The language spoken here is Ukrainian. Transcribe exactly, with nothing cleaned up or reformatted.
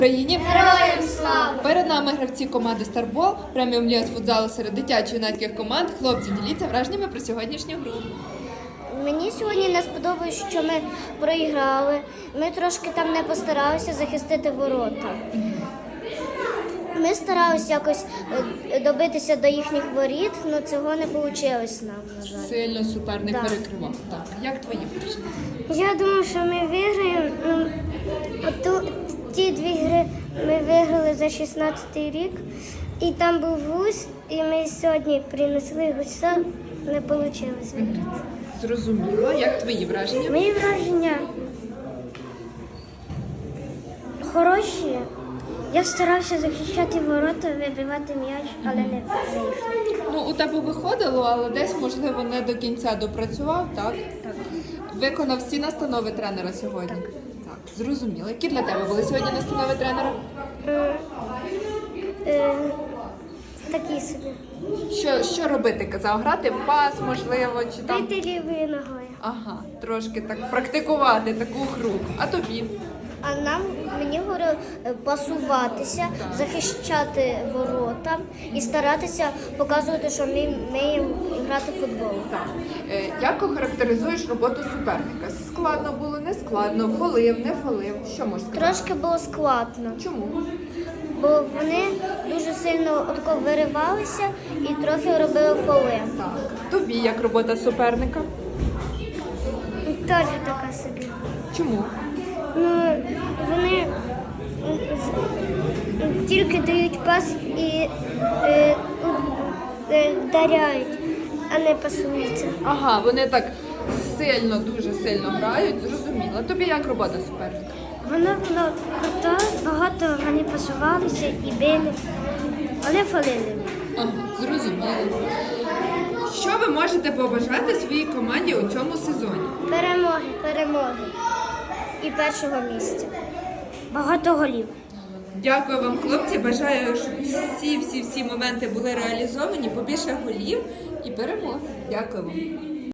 Україні Героям слава! перед нами гравці команди Старбол, преміум ліга з футзалу серед дитячо-юнацьких команд. Хлопці, діліться враженнями про сьогоднішню гру. Мені сьогодні не сподобалось, що ми проіграли. Ми трошки там не постаралися захистити ворота. Ми старалися якось е, добитися до їхніх воріт, але цього не вийшло нам, на жаль. Сильно суперник Так. перекривав. Так, як твої враження? Я думаю, що ми виграємо. Ну, ту, ті дві гри ми виграли за шістнадцятий рік. І там був гусь, і ми сьогодні принесли гуся, не вийшло виграти. Зрозуміло. Як твої враження? Мої враження хороші. Я старався захищати ворота, вибивати м'яч, але не вийшло. Ну, у тебе виходило, але десь, можливо, не до кінця допрацював, так? Так. Виконав всі настанови тренера сьогодні? Так. Так, зрозуміло. Які для тебе були сьогодні настанови тренера? Е, е, такі собі. Що, що робити, казав? Грати в пас, можливо, чи там? Бити лівою ногою. Ага, трошки так практикувати таку гру. А тобі? А нам мені говорили е, пасуватися, захищати ворота і старатися показувати, що ми вміємо грати в футбол. Так. Е, Як охарактеризуєш роботу суперника? Складно було, не складно, фолив, не фолив. Що можеш сказати? Трошки було складно, Чому? бо вони дуже сильно отко виривалися і трохи робили фоли. Так. Тобі як робота суперника? Теж така собі. Чому? Ну, вони з- тільки дають пас і е, е, вдаряють, а не пасуються. Ага, вони так сильно, дуже сильно грають, зрозуміло. Тобі як робота суперника? Воно було круто, багато вони пасувалися і били, але фалили. Ага, зрозуміло. Що ви можете побажати своїй команді у цьому сезоні? Перемоги, перемоги і першого місця. Багато голів. Дякую вам, хлопці. Бажаю, щоб всі, всі, всі моменти були реалізовані, побільше голів і перемоги. Дякую вам.